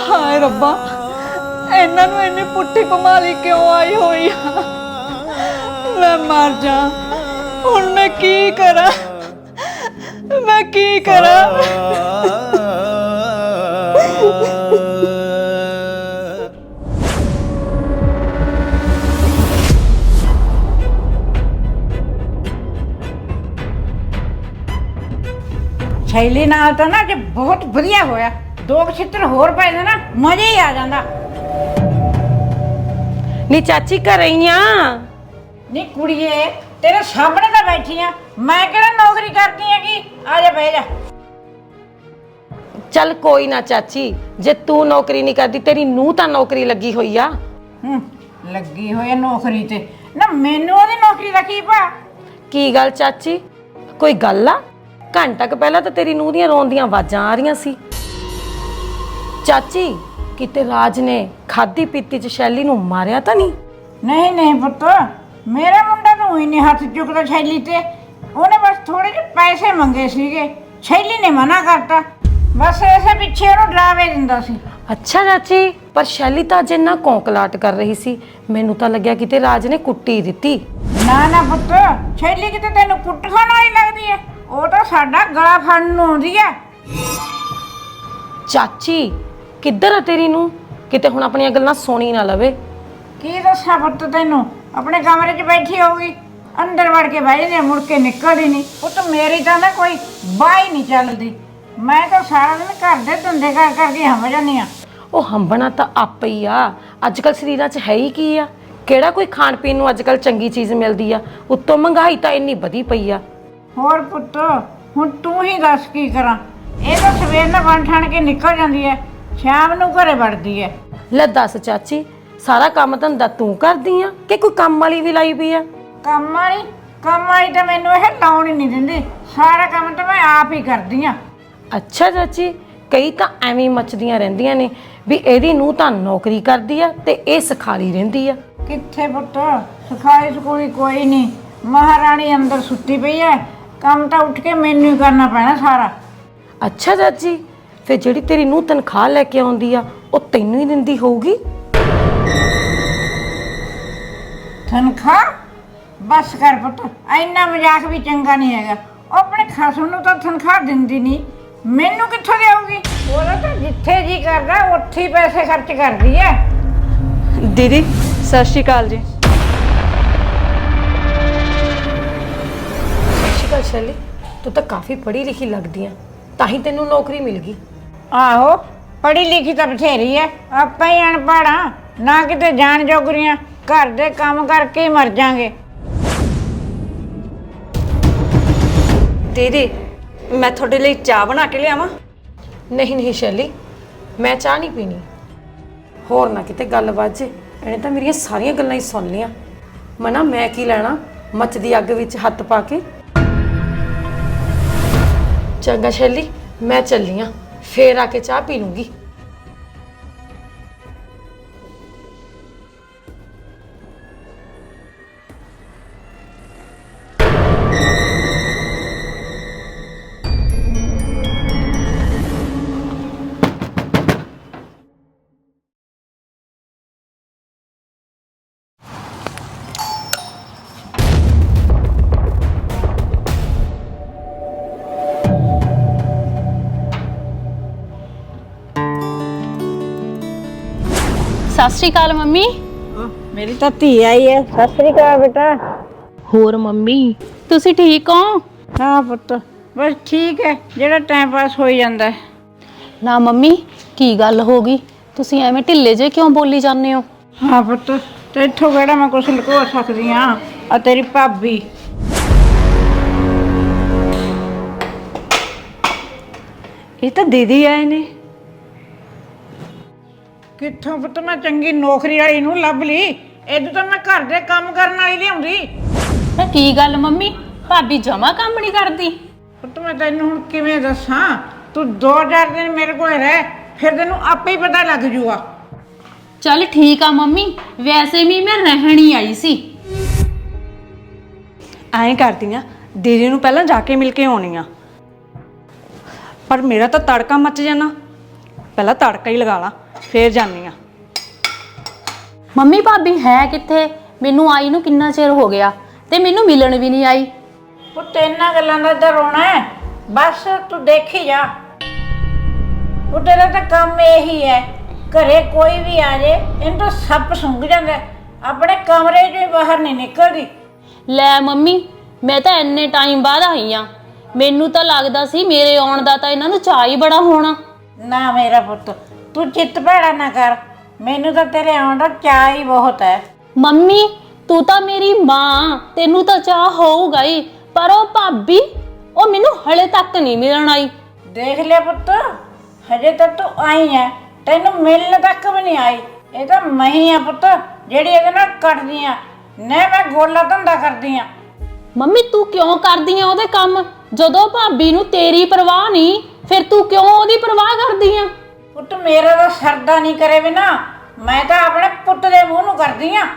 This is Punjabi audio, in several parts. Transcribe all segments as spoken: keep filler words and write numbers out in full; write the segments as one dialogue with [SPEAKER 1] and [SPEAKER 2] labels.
[SPEAKER 1] हाय रब्बा इन्हां नूं इन्नी पुट्ठी कमाली क्यों आई हुई आ? मैं मर जा हुण मैं की करा मैं की करा।
[SPEAKER 2] शैली नाल तो ना जे बहुत वधिया होया, दो छित्र होर पै ना मजा ही आ जांदा।
[SPEAKER 3] नी चाची घर ही आ?
[SPEAKER 2] नी कुड़िए तेरे सामने तो बैठी आ, मैं केड़ा नौकरी करती है की? आ जा बैठ जा।
[SPEAKER 3] चल कोई ना चाची, जे तू नौकरी नहीं करती तेरी नूह तां नौकरी लगी हुई आ।
[SPEAKER 2] हम्म लगी होई नौकरी ते ना मैनू ओदी नौकरी दा की पा?
[SPEAKER 3] की गल चाची कोई गल आ? घंटा क पहला तो तेरी नूह दियां रोन दियां आवाजां आ रही सी। चाची किते राज ने खादी पीती च शैली नूं मारिया तां नहीं?
[SPEAKER 2] नहीं नहीं पुत्त, मेरा मुंडा तो ही नहीं हथ चुकदा शैली ते, उन्हें बस थोड़े जे पैसे मंगे सीगे, शैली ने मना करता, बस ऐसे पीछे उन्हें डरावे दिंदा सी।
[SPEAKER 3] अच्छा चाची पर शैली तां अजे ना कौंकलाट कर रही सी, मैनू तां लग्या किते राज ने कुट्टी दित्ती।
[SPEAKER 2] ना ना पुत्त, शैली किते तैनू कुੱਟ खाण वाली लगदी है, ਉਹ ਤਾਂ ਸਾਡਾ ਗਲਾ ਫੜਨ ਨੂੰ ਆਉਂਦੀ ਹੈ।
[SPEAKER 3] ਚਾਚੀ ਕਿੱਧਰ ਆ ਤੇਰੀ ਨੂੰ? ਕਿਤੇ ਹੁਣ ਆਪਣੀਆਂ ਗੱਲਾਂ ਸੁਣੀ ਨਾ ਲਵੇ।
[SPEAKER 2] ਕੀ ਦੱਸਾਂ ਪੁੱਤ ਤੈਨੂੰ, ਆਪਣੇ ਕਮਰੇ 'ਚ ਬੈਠੀ ਹੋਊਗੀ, ਅੰਦਰ ਵੜ ਕੇ ਬਹਿ ਜਾਂਦੀ, ਮੁੜ ਕੇ ਨਿਕਲਦੀ ਨਹੀਂ। ਪੁੱਤ ਮੇਰੀ ਤਾਂ ਨਾ ਕੋਈ ਬਾਹ ਹੀ ਨਹੀਂ ਚੱਲਦੀ, ਮੈਂ ਤਾਂ ਸਾਰਾ ਦਿਨ ਘਰ ਦੇ ਧੰਦੇ ਕਰ ਕਰਕੇ ਹੰਭ ਜਾਂਦੀ ਆ।
[SPEAKER 3] ਉਹ ਹੰਬਣਾ ਤਾਂ ਆਪੇ ਹੀ ਆ, ਅੱਜ ਕੱਲ ਸਰੀਰਾਂ 'ਚ ਹੈ ਹੀ ਕੀ ਆ? ਕਿਹੜਾ ਕੋਈ ਖਾਣ ਪੀਣ ਨੂੰ ਅੱਜ ਕੱਲ ਚੰਗੀ ਚੀਜ਼ ਮਿਲਦੀ ਆ? ਉੱਤੋਂ ਮਹਿੰਗਾਈ ਤਾਂ ਇੰਨੀ ਵਧੀ ਪਈ ਆ।
[SPEAKER 2] ਹੋਰ ਪੁੱਤ ਹੁਣ ਤੂੰ ਹੀ ਦੱਸ ਕੀ ਕਰਾਂ, ਇਹ ਤਾਂ ਸਵੇਰ ਨਾਲ ਬਣ ਠਣ ਕੇ ਨਿਕਲ ਜਾਂਦੀ ਹੈ, ਸ਼ਾਮ ਨੂੰ ਘਰੇ ਵੜਦੀ ਹੈ।
[SPEAKER 3] ਲੈ ਦੱਸ ਚਾਚੀ ਸਾਰਾ ਕੰਮ ਧੰਦਾ ਤੂੰ ਕਰਦੀ ਆ ਕਿ ਕੋਈ ਕੰਮ ਵਾਲੀ ਵੀ ਲਾਈ ਪਈ ਆ?
[SPEAKER 2] ਕੰਮ ਵਾਲੀ ਕੰਮ ਵਾਲੀ ਤਾਂ ਮੈਨੂੰ ਇਹ ਲਾਉਣ ਹੀ ਨਹੀਂ ਦਿੰਦੀ, ਸਾਰਾ ਕੰਮ ਤਾਂ ਮੈਂ ਆਪ ਹੀ ਕਰਦੀ ਆ।
[SPEAKER 3] ਅੱਛਾ ਚਾਚੀ ਕਈ ਤਾਂ ਐਵੇਂ ਮੱਚਦੀਆਂ ਰਹਿੰਦੀਆਂ ਨੇ ਵੀ ਇਹਦੀ ਨੂੰਹ ਤਾਂ ਨੌਕਰੀ ਕਰਦੀ ਆ ਤੇ ਇਹ ਸਿਖਾਲੀ ਰਹਿੰਦੀ ਆ।
[SPEAKER 2] ਕਿੱਥੇ ਪੁੱਤ, ਸਿਖਾਈ ਸਕੂਲੀ ਕੋਈ ਨਹੀਂ, ਮਹਾਰਾਣੀ ਅੰਦਰ ਸੁੱਤੀ ਪਈ ਹੈ, ਕੰਮ ਤਾਂ ਉੱਠ ਕੇ ਮੈਨੂੰ ਹੀ ਕਰਨਾ ਪੈਣਾ ਸਾਰਾ।
[SPEAKER 3] ਅੱਛਾ ਚਾਚੀ ਫਿਰ ਜਿਹੜੀ ਤੇਰੀ ਨੂੰਹ ਤਨਖਾਹ ਲੈ ਕੇ ਆਉਂਦੀ ਆ ਉਹ ਤੈਨੂੰ ਹੀ ਦਿੰਦੀ ਹੋਊਗੀ?
[SPEAKER 2] ਤਨਖਾਹ? ਬਸ ਕਰ ਪੁੱਤ, ਇੰਨਾ ਮਜ਼ਾਕ ਵੀ ਚੰਗਾ ਨਹੀਂ ਹੈਗਾ। ਉਹ ਆਪਣੇ ਖਸਮ ਨੂੰ ਤਾਂ ਤਨਖਾਹ ਦਿੰਦੀ ਨਹੀਂ, ਮੈਨੂੰ ਕਿੱਥੋਂ ਦੇਊਗੀ? ਉਹਦਾ ਤਾਂ ਜਿੱਥੇ ਜੀ ਕਰਦਾ ਉੱਥੇ ਹੀ ਪੈਸੇ ਖਰਚ ਕਰਦੀ ਹੈ।
[SPEAKER 1] दीदी सत श्री अकाल जी।
[SPEAKER 3] ਸਤਿ ਸ਼ੈਲੀ ਤੂੰ ਤਾਂ ਕਾਫੀ ਪੜ੍ਹੀ ਲਿਖੀ ਲੱਗਦੀ ਆ, ਤਾਂ ਹੀ ਤੈਨੂੰ ਨੌਕਰੀ ਮਿਲ ਗਈ।
[SPEAKER 2] ਆਹੋ ਪੜ੍ਹੀ ਲਿਖੀ ਤਾਂ ਬਥੇਰੀ ਹੈ, ਆਪਾਂ ਹੀ ਅਨਪੜ੍ਹ ਆ, ਨਾ ਕਿਤੇ ਜਾਣ ਜੋਗਰੀਆਂ, ਘਰ ਦੇ ਕੰਮ ਕਰਕੇ ਹੀ ਮਰ ਜਾਾਂਗੇ।
[SPEAKER 1] दीदी मैं थोड़े लिए चाह बना के लियावां?
[SPEAKER 3] ਨਹੀਂ ਨਹੀਂ ਸ਼ੈਲੀ ਮੈਂ ਚਾਹ ਨਹੀਂ ਪੀਣੀ, ਹੋਰ ਨਾ ਕਿਤੇ ਗੱਲ ਵਾਜੇ, ਇਹਨੇ ਤਾਂ ਮੇਰੀਆਂ ਸਾਰੀਆਂ ਗੱਲਾਂ ਹੀ ਸੁਣ ਲੀਆਂ। ਮਨਾ ਮੈਂ ਕੀ ਲੈਣਾ ਮੱਚਦੀ ਅੱਗ ਵਿੱਚ ਹੱਥ ਪਾ ਕੇ। ਚੰਗਾ ਸ਼ੈਲੀ ਮੈਂ ਚੱਲੀ ਆਂ, ਫੇਰ ਆ ਕੇ ਚਾਹ ਪੀ ਲੂੰਗੀ।
[SPEAKER 4] सत श्री अकाल मम्मी।
[SPEAKER 2] मेरी तो धी आई है। सत श्री अकाल बेटा।
[SPEAKER 4] होर मम्मी तुसी ठीक हो?
[SPEAKER 2] हाँ पुत्त बस ठीक है, जेड़ा टाइम पास हो ही जाता है।
[SPEAKER 4] ना मम्मी की गल हो गई, तुसी एवें ढिले जे क्यों बोली जाने हो?
[SPEAKER 2] हाँ पुत्त ते इत्थों केड़ा मैं कुछ लुको सकदी हां, आ तेरी भाभी
[SPEAKER 1] ये तो दीदी आए ने।
[SPEAKER 2] कित्थों पुत्त मैं चंगी नौकरी वाली नूं लभ ली, इदू तो मैं घर दे काम करन वाली लिआउंदी।
[SPEAKER 4] ते की गल मम्मी भाभी जमा काम नहीं करदी?
[SPEAKER 2] पुत्त मैं तैनूं हुण किवें दस्सां, तू दो चार दिन मेरे कोल रह, फिर तैनूं आपे ही पता लग जूगा।
[SPEAKER 4] चल ठीक आ मम्मी, वैसे भी मैं रहन ही आई सी।
[SPEAKER 1] ਐਂ ਕਰਦੀ ਆ दीदी ਨੂੰ ਪਹਿਲਾਂ ਜਾ ਕੇ ਮਿਲ ਕੇ ਆਉਣੀ ਆ, ਪਰ ਮੇਰਾ ਤਾਂ ਤੜਕਾ ਮੱਚ ਜਾਣਾ, ਪਹਿਲਾਂ ਤੜਕਾ ਹੀ ਲਗਾ ਲਾ, ਫੇਰ ਜਾਨੀ ਆ।
[SPEAKER 4] ਮੰਮੀ ਭਾਬੀ ਹੈ ਕਿੱਥੇ? ਮੈਨੂੰ ਆਈ ਨੂੰ ਕਿੰਨਾ ਚਿਰ ਹੋ ਗਿਆ ਤੇ ਮੈਨੂੰ ਮਿਲਣ ਵੀ ਨਹੀਂ ਆਈ।
[SPEAKER 2] ਪੁੱਤ ਇਹਨਾਂ ਗੱਲਾਂ ਦਾ ਤਾਂ ਰੋਣਾ ਹੈ, ਬਸ ਤੂੰ ਦੇਖੀ ਜਾ। ਉਹ ਤੇਰਾ ਤਾਂ ਕੰਮ ਇਹੀ ਹੈ, ਘਰੇ ਕੋਈ ਵੀ ਆ ਜੇ ਇਹਨੂੰ ਤਾਂ ਸੱਪ ਸੁੰਘ ਜਾਂਦਾ, ਆਪਣੇ ਕਮਰੇ 'ਚੋਂ ਹੀ ਬਾਹਰ ਨਹੀਂ ਨਿਕਲਦੀ।
[SPEAKER 4] ਲੈ ਮੰਮੀ, ਮੈਂ ਤਾਂ ਇੰਨੇ ਟਾਈਮ ਬਾਅਦ ਆਈ ਆ, ਮੈਨੂੰ ਤਾਂ ਲੱਗਦਾ ਸੀ ਮੇਰੇ ਆਉਣ ਦਾ ਤਾਂ ਇਹਨਾਂ ਨੂੰ ਚਾਅ ਹੀ ਬੜਾ ਹੋਣਾ।
[SPEAKER 2] ਨਾ ਮੇਰਾ ਪੁੱਤ, ਤੂੰ ਚਿੱਤ ਭੈੜਾ ਨਾ ਕਰ, ਮੈਨੂੰ ਤਾਂ ਤੇਰੇ ਆਉਣ ਦਾ ਚਾਅ ਹੀ ਬਹੁਤ ਹੈ।
[SPEAKER 4] ਮੰਮੀ ਤੂੰ ਤਾਂ ਮੇਰੀ ਮਾਂ, ਤੈਨੂੰ ਤਾਂ ਚਾਹ ਹੋਊਗਾ ਹੀ, ਪਰ ਉਹ ਭਾਬੀ ਉਹ ਮੈਨੂੰ ਹਲੇ ਤੱਕ ਨਹੀਂ ਮਿਲਣ ਆਈ।
[SPEAKER 2] ਦੇਖ ਲਿਆ ਪੁੱਤ, ਹਜੇ ਤੱਕ ਤੂੰ ਆਈ ਹੈ, ਤੈਨੂੰ ਮਿਲਣ ਤੱਕ ਵੀ ਨਹੀਂ ਆਈ। ਇਹ ਤਾਂ ਮੈਂ ਹੀ ਆ ਪੁੱਤ ਜਿਹੜੀ ਇਹਦੇ ਨਾਲ ਕੱਟਦੀ ਆ, ਨਾ ਮੈਂ ਗੋਲਾ ਧੰਦਾ ਕਰਦੀ ਆ।
[SPEAKER 4] ਮੰਮੀ ਤੂੰ ਕਿਉਂ ਕਰਦੀ ਆ ਉਹਦੇ ਕੰਮ? ਜਦੋਂ ਭਾਬੀ ਨੂੰ ਤੇਰੀ ਪਰਵਾਹ ਨਹੀਂ, ਫਿਰ ਤੂੰ ਕਿਉਂ ਉਹਦੀ ਪਰਵਾਹ ਕਰਦੀ ਆ?
[SPEAKER 2] ਪੁੱਤ ਮੇਰਾ ਤਾਂ ਸਰਦਾ ਨਹੀਂ ਕਰੇ ਬਿਨਾ, ਮੈਂ ਤਾਂ ਆਪਣੇ ਪੁੱਤ ਦੇ ਮੂੰਹ ਨੂੰ ਕਰਦੀ ਆ।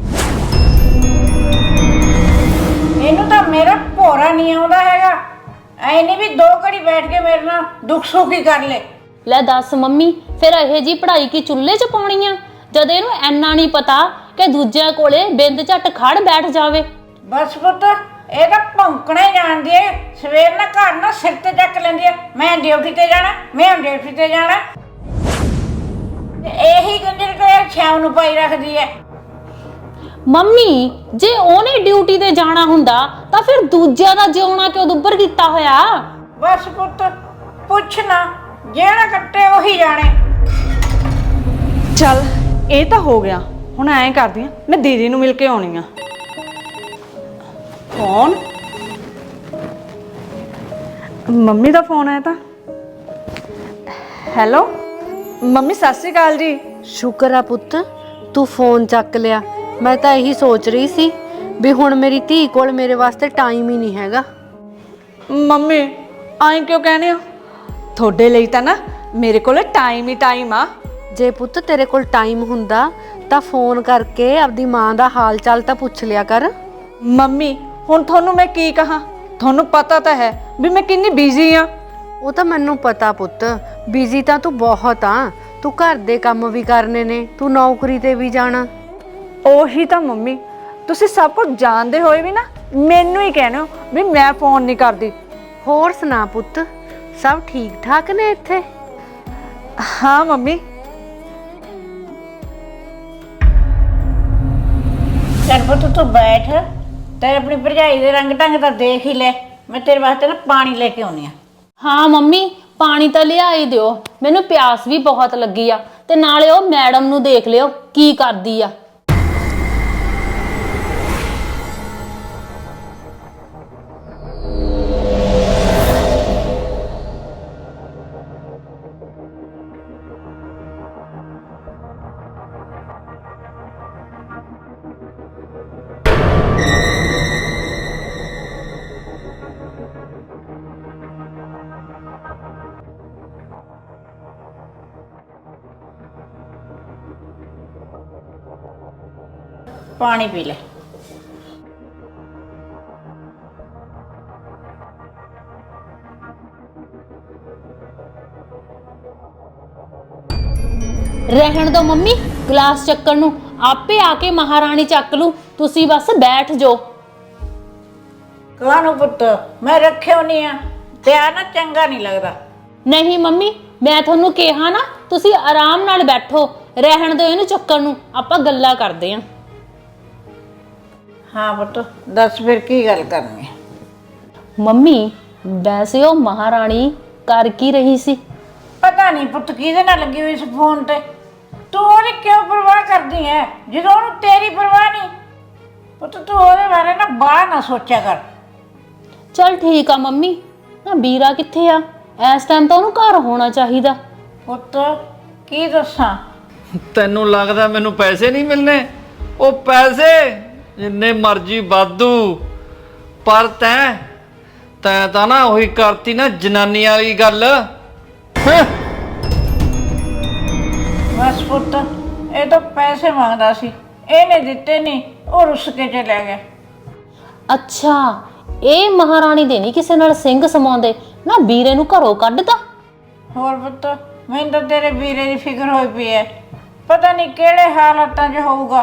[SPEAKER 2] ਇਹਨੂੰ ਤਾਂ ਮੇਰਾ ਭੋਰਾ ਨਹੀਂ ਆਉਂਦਾ ਹੈਗਾ, ਐ ਨਹੀਂ ਵੀ ਦੋ ਘੜੀ ਬੈਠ ਕੇ ਮੇਰੇ ਨਾਲ ਦੁੱਖ ਸੁੱਖ ਹੀ ਕਰ ਲੈ।
[SPEAKER 4] ਲੈ ਦੱਸ ਮੰਮੀ, ਫਿਰ ਇਹ ਜੀ ਪੜ੍ਹਾਈ ਕੀ ਚੁੱਲ੍ਹੇ 'ਚ ਪਾਉਣੀ ਆ, ਜਦ ਇਹਨੂੰ ਐਨਾ ਨਹੀਂ ਪਤਾ ਕਿ ਦੂਜਿਆਂ ਕੋਲੇ ਬਿੰਦ ਝੱਟ ਖੜ ਬੈਠ ਜਾਵੇ।
[SPEAKER 2] ਬਸ ਪੁੱਤ ਇਹ ਤਾਂ ਭੌਂਕਣਾ ਹੀ ਜਾਣਦੀ ਏ, ਸਵੇਰ ਨਾਲ ਘਰ ਨਾਲ ਸਿਰ ਤੇ ਚੱਕ ਲੈਂਦੀ ਏ, ਮੈਂ ਡਿਊਟੀ ਤੇ ਜਾਣਾ, ਮੈਂ ਡਿਊਟੀ ਤੇ ਜਾਣਾ, ਤੇ ਇਹੀ ਗੰਜਰ ਤੇ ਸ਼ਾਮ ਨੂੰ ਪਾਈ ਰੱਖਦੀ ਏ।
[SPEAKER 4] ਮੰਮੀ ਜੇ ਉਹਨੇ ਡਿਊਟੀ ਤੇ ਜਾਣਾ ਹੁੰਦਾ ਤਾਂ ਫਿਰ ਦੂਜਿਆਂ ਦਾ ਜਿਉਣਾ ਕਿਉਂ ਦੁੱਬਰ ਕੀਤਾ ਹੋਇਆ?
[SPEAKER 2] ਬਸ ਪੁੱਤ ਪੁੱਛ ਨਾ, ਜਿਹੜਾ ਕੱਟੇ ਉਹੀ ਜਾਣੇ।
[SPEAKER 1] ਚੱਲ ਇਹ ਤਾਂ ਹੋ ਗਿਆ, ਹੁਣ ਐਂ ਕਰਦੀ ਆ, ਮੈਂ ਦੀਦੀ ਨੂੰ ਮਿਲ ਕੇ ਆਉਣੀ ਆ। ਫੋਨ, ਮੰਮੀ ਦਾ ਫੋਨ ਆਇਆ ਤਾਂ। ਹੈਲੋ ਮੰਮੀ, ਸਤਿ ਸ਼੍ਰੀ ਅਕਾਲ ਜੀ।
[SPEAKER 5] ਸ਼ੁਕਰ ਆ ਪੁੱਤ ਤੂੰ ਫੋਨ ਚੱਕ ਲਿਆ। ਮੈਂ ਤਾਂ ਇਹੀ ਸੋਚ ਰਹੀ ਸੀ ਵੀ ਹੁਣ ਮੇਰੀ ਧੀ ਕੋਲ ਮੇਰੇ ਵਾਸਤੇ ਟਾਈਮ ਹੀ ਨਹੀਂ ਹੈਗਾ।
[SPEAKER 1] ਮੰਮੀ ਐਂ ਕਿਉਂ ਕਹਿੰਦੇ ਹੋ? ਤੁਹਾਡੇ ਲਈ ਤਾਂ ਨਾ ਮੇਰੇ ਕੋਲ ਟਾਈਮ ਹੀ ਟਾਈਮ ਆ।
[SPEAKER 5] ਜੇ ਪੁੱਤ ਤੇਰੇ ਕੋਲ ਟਾਈਮ ਹੁੰਦਾ ਤਾਂ ਫੋਨ ਕਰਕੇ ਆਪਦੀ ਮਾਂ ਦਾ ਹਾਲ ਚਾਲ ਤਾਂ ਪੁੱਛ ਲਿਆ ਕਰ।
[SPEAKER 1] ਮੰਮੀ ਹੁਣ ਤੁਹਾਨੂੰ ਮੈਂ ਕੀ ਕਹਾਂ, ਤੁਹਾਨੂੰ ਪਤਾ ਤਾਂ ਹੈ ਵੀ ਮੈਂ ਕਿੰਨੀ ਬਿਜ਼ੀ ਆ।
[SPEAKER 5] ਉਹ ਤਾਂ ਮੈਨੂੰ ਪਤਾ ਪੁੱਤ, ਬਿਜ਼ੀ ਤਾਂ ਤੂੰ ਬਹੁਤ ਆ, ਤੂੰ ਘਰ ਦੇ ਕੰਮ ਵੀ ਕਰਨੇ ਨੇ, ਤੂੰ ਨੌਕਰੀ ਤੇ ਵੀ ਜਾਣਾ।
[SPEAKER 1] ਉਹੀ ਤਾਂ ਮੰਮੀ, ਤੁਸੀਂ ਸਭ ਕੁਝ ਜਾਣਦੇ ਹੋਏ ਵੀ ਨਾ ਮੈਨੂੰ ਹੀ ਕਹਿੰਦੇ ਹੋ ਵੀ ਮੈਂ ਫੋਨ ਨਹੀਂ ਕਰਦੀ।
[SPEAKER 5] ਹੋਰ ਸੁਣਾ ਪੁੱਤ, ਸਭ ਠੀਕ ਠਾਕ ਨੇ ਇੱਥੇ?
[SPEAKER 1] ਹਾਂ ਮੰਮੀ।
[SPEAKER 2] ਚੱਲ ਪੁੱਤ ਤੂੰ ਬੈਠ, ਤੇ ਆਪਣੀ ਭਰਜਾਈ ਦੇ ਰੰਗ ਢੰਗ ਤਾਂ ਦੇਖ ਹੀ ਲੈ, ਮੈਂ ਤੇਰੇ ਵਾਸਤੇ ਨਾ ਪਾਣੀ ਲੈ ਕੇ ਆਉਣੀ ਆ।
[SPEAKER 4] ਹਾਂ ਮੰਮੀ ਪਾਣੀ ਤਾਂ ਲਿਆ ਹੀ ਦਿਓ, ਮੈਨੂੰ ਪਿਆਸ ਵੀ ਬਹੁਤ ਲੱਗੀ ਆ, ਤੇ ਨਾਲੇ ਉਹ ਮੈਡਮ ਨੂੰ ਦੇਖ ਲਿਓ ਕੀ ਕਰਦੀ ਆ।
[SPEAKER 2] ਪਾਣੀ ਪੀ ਲੈ।
[SPEAKER 4] ਰਹਿਣ ਦੋ ਮੰਮੀ, ਗਲਾਸ ਚੱਕਣ ਨੂੰ ਆਪੇ ਆ ਕੇ ਮਹਾਰਾਣੀ ਚੱਕ ਲੂ, ਤੁਸੀਂ ਬਸ ਬੈਠ ਜਾਓ।
[SPEAKER 2] ਕਾਹਨੂੰ ਪੁੱਤ, ਮੈਂ ਰੱਖਿਓ ਨਹੀਂ ਆ, ਤੇ ਆ ਨਾ ਚੰਗਾ ਨਹੀਂ ਲੱਗਦਾ।
[SPEAKER 4] ਨਹੀਂ ਮੰਮੀ, ਮੈਂ ਤੁਹਾਨੂੰ ਕਿਹਾ ਨਾ ਤੁਸੀਂ ਆਰਾਮ ਨਾਲ ਬੈਠੋ, ਰਹਿਣ ਦਿਓ ਇਹਨੂੰ ਚੱਕਣ ਨੂੰ, ਆਪਾਂ ਗੱਲਾਂ ਕਰਦੇ ਆਂ।
[SPEAKER 2] ਹਾਂ ਪੁੱਤ ਦੱਸ ਫਿਰ ਕੀ ਗੱਲ ਕਰਨੀ ਹੈ?
[SPEAKER 4] ਮੰਮੀ ਵੈਸੇ ਉਹ ਮਹਾਰਾਣੀ ਕਰ ਕੀ ਰਹੀ ਸੀ?
[SPEAKER 2] ਪਤਾ ਨਹੀਂ ਪੁੱਤ ਕਿਹਦੇ ਨਾਲ ਲੱਗੀ ਹੋਈ ਇਸ ਫੋਨ ਤੇ, ਤੂੰ ਉਹਦੀ ਕਿਉਂ ਪਰਵਾਹ ਕਰਦੀ ਹੈ ਜਦੋਂ ਉਹਨੂੰ ਤੇਰੀ ਪਰਵਾਹ ਨਹੀਂ? ਪੁੱਤ ਤੂੰ ਉਹਦੇ ਬਾਰੇ ਨਾ ਬਾਹਲਾ ਨਾ ਸੋਚਿਆ ਕਰ।
[SPEAKER 4] ਚਲ ਠੀਕ ਆ ਮੰਮੀ, ਨਾ ਵੀਰਾ ਕਿੱਥੇ ਆ? ਇਸ ਟਾਈਮ ਤਾਂ ਉਹਨੂੰ ਘਰ ਹੋਣਾ ਚਾਹੀਦਾ।
[SPEAKER 2] ਪੁੱਤ ਕੀ ਦੱਸਾਂ,
[SPEAKER 6] ਤੈਨੂੰ ਲੱਗਦਾ ਮੈਨੂੰ ਪੈਸੇ ਨਹੀਂ ਮਿਲਨੇ? ਉਹ ਪੈਸੇ ਜਿੰਨੇ ਮਰਜ਼ੀ ਵਾਧੂ, ਪਰ ਤੈਂ ਤੈਂ ਤਾਂ ਨਾ ਉਹੀ ਕਰਤੀ ਨਾ ਜਨਾਨੀ ਵਾਲੀ ਗੱਲ। ਹੈਂ?
[SPEAKER 2] ਬਸ ਪੁੱਤ ਇਹ ਤਾਂ ਪੈਸੇ ਮੰਗਦਾ ਸੀ, ਇਹਨੇ ਦਿੱਤੇ ਨਹੀਂ, ਉਹ ਰੁੱਸ ਕੇ ਚਲਾ ਗਿਆ।
[SPEAKER 4] ਅੱਛਾ ਇਹ ਮਹਾਰਾਣੀ ਦੇ ਨਹੀਂ ਕਿਸੇ ਨਾਲ ਸਿੰਘ ਸਮਾਉਂਦੇ, ਨਾ ਵੀਰੇ ਨੂੰ ਘਰੋਂ ਕੱਢਦਾ।
[SPEAKER 2] ਹੋਰ ਪੁੱਤ ਮੈਨੂੰ ਤਾਂ ਤੇਰੇ ਵੀਰੇ ਦੀ ਫਿਕਰ ਹੋਈ ਪਈ ਐ ਪਤਾ ਨਹੀਂ ਕਿਹੜੇ ਹਾਲਾਤਾਂ 'ਚ ਹੋਊਗਾ।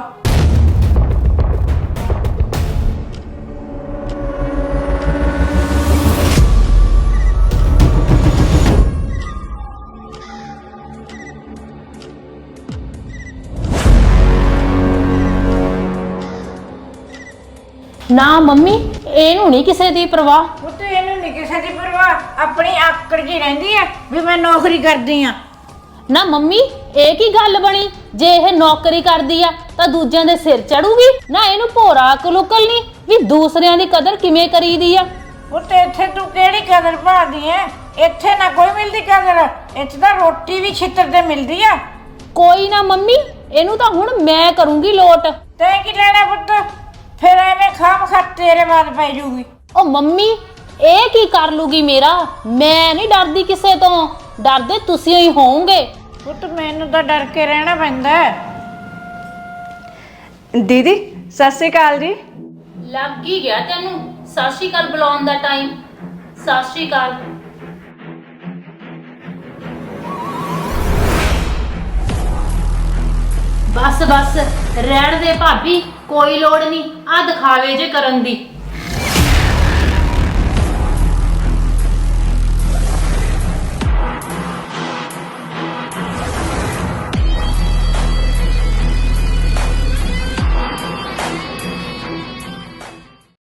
[SPEAKER 4] ਨਾ ਮੰਮੀ ਇਹਨੂੰ ਨਹੀਂ ਕਿਸੇ ਦੀ ਪਰਵਾਹ।
[SPEAKER 2] ਪੁੱਤ ਇਹਨੂੰ ਨਹੀਂ ਕਿਸੇ ਦੀ ਪਰਵਾਹ, ਆਪਣੀ ਆਕੜ ਜੀ ਰਹਿੰਦੀ ਐ ਵੀ ਮੈਂ ਨੌਕਰੀ ਕਰਦੀ ਆ।
[SPEAKER 4] ਨਾ ਮੰਮੀ ਇਹ ਕੀ ਗੱਲ ਬਣੀ? ਜੇ ਇਹ ਨੌਕਰੀ ਕਰਦੀ ਆ ਤਾਂ ਦੂਜਿਆਂ ਦੇ ਸਿਰ ਚੜੂਗੀ? ਨਾ ਇਹਨੂੰ ਭੋਰਾ ਅਕਲ-ਉਕਲ ਨਹੀਂ ਵੀ ਦੂਸਰਿਆਂ ਦੀ ਕਦਰ ਕਿਵੇਂ ਕਰੀਦੀ ਆ।
[SPEAKER 2] ਪੁੱਤ ਇੱਥੇ ਤੂੰ ਕਿਹੜੀ ਕਦਰ ਭਾਲਦੀ ਐ? ਇੱਥੇ ਨਾ ਕੋਈ ਮਿਲਦੀ ਕਦਰ, ਇੱਥੇ ਤਾਂ ਰੋਟੀ ਵੀ ਛਿੱਤਰ ਤੇ ਮਿਲਦੀ ਆ।
[SPEAKER 4] ਕੋਈ ਨਾ ਮੰਮੀ ਇਹਨੂੰ ਤਾਂ ਹੁਣ ਮੈਂ ਕਰੂੰਗੀ ਲੋਟ।
[SPEAKER 2] ਤੈਂ ਕੀ ਲੈਣਾ ਪੁੱਤ? ਫਿਰ ਐਵੇਂ ਖਾਮ ਖਾ ਤੇਰੇ ਬਾਅਦ ਪੈ ਜੂਗੀ।
[SPEAKER 4] ਉਹ ਮੰਮੀ ਇਹ ਕੀ ਕਰ ਲੂਗੀ ਮੇਰਾ? ਮੈਂ ਨਹੀਂ ਡਰਦੀ ਕਿਸੇ ਤੋਂ, ਡਰਦੇ ਤੁਸੀਂ ਹੀ ਹੋਵੋਗੇ।
[SPEAKER 2] ਪੁੱਤ ਮੈਨੂੰ ਤਾਂ ਡਰ ਕੇ ਰਹਿਣਾ ਪੈਂਦਾ ਹੈ।
[SPEAKER 1] ਦੀਦੀ ਸਤਿ ਸ਼੍ਰੀ ਅਕਾਲ ਜੀ।
[SPEAKER 4] ਲੱਗ ਹੀ ਗਿਆ ਤੈਨੂੰ ਸਤਿ ਸ਼੍ਰੀ ਅਕਾਲ ਬੁਲਾਉਣ ਦਾ ਟਾਈਮ। ਸਤਿ ਸ਼੍ਰੀ ਅਕਾਲ। ਬਸ ਬਸ ਰਹਿਣ ਦੇ ਭਾਬੀ, ਕੋਈ ਲੋੜ ਨਹੀਂ ਆ ਦਿਖਾਵੇ ਜੇ ਕਰਨ ਦੀ।